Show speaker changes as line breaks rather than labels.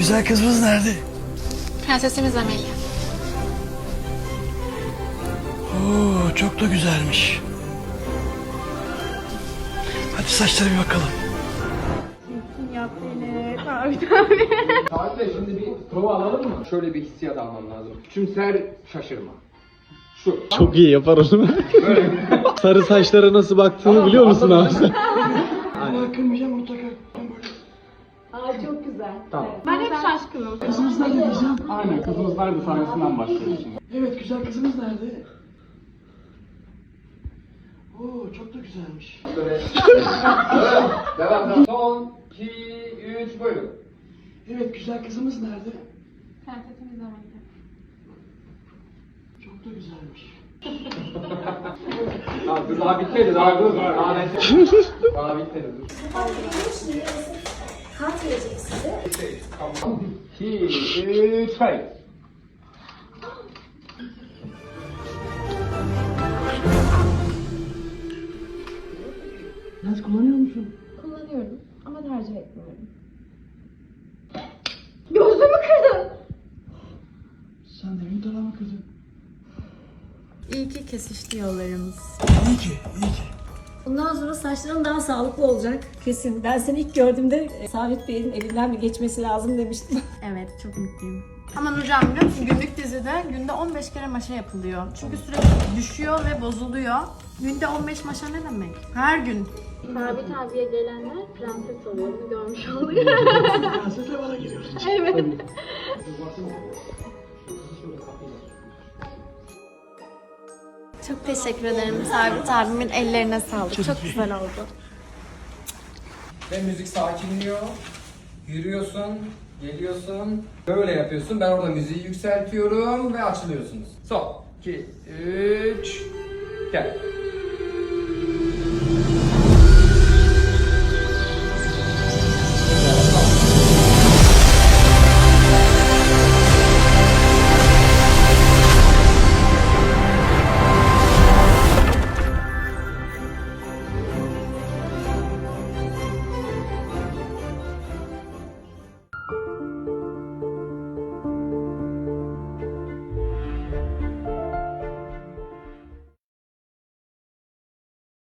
güzel kızımız nerede?
Prensesimiz Amelia.
Oo, çok da güzelmiş. Hadi saçlara bir bakalım.
Yap beni. Tabii.
Tatilde şimdi bir prova alalım mı? Şöyle bir hissiyat almam lazım. Küçümser şaşırma. Şu.
Çok iyi yapar onu. Sarı saçlara nasıl baktığını biliyor musun abi?
Ama kırmayacağım mutlaka.
Aa çok güzel.
Tamam.
Ben hep şaşkınım.
Kızımız nerede diyeceğim?
Aynen, kızımız nerede sahnesinden başlıyoruz şimdi.
Evet, güzel kızımız nerede? Oo, çok da güzelmiş.
Böyle. Devam. Son 2, 3, buyurun.
Evet, güzel kızımız nerede?
Prensesimiz Amelia.
Çok da güzelmiş.
Dur, daha bitmedi, daha dur. Daha bitmedi, dur.
Kart verecek size.
2, 3, kayıt.
Lens kullanıyor musun?
Kullanıyorum ama tercih etmiyorum. Gözümü kırdın.
Sen de benim tarafıma kırdın.
İyi ki kesişti yollarımız.
İyi ki, iyi ki.
Bundan sonra saçların daha sağlıklı olacak kesin. Ben seni ilk gördüğümde Sabit Bey'in elinden bir geçmesi lazım demiştim.
Evet, çok mutluyum. Ama Nurcan biliyor musun? Günlük dizide günde 15 kere maşa yapılıyor. Çünkü sürekli düşüyor ve bozuluyor. Günde 15 maşa ne demek? Her gün.
Sabit abiye gelenler prenses oluyor. Bunu görmüş olduk.
Prensesle bana geliyorsun.
Evet.
Çok teşekkür ederim. Sabit abimin ellerine sağlık. Çok güzel oldu.
Ve müzik sakinliyor. Yürüyorsun, geliyorsun. Böyle yapıyorsun. Ben orada müziği yükseltiyorum ve açılıyorsunuz. Son 2, 3, gel.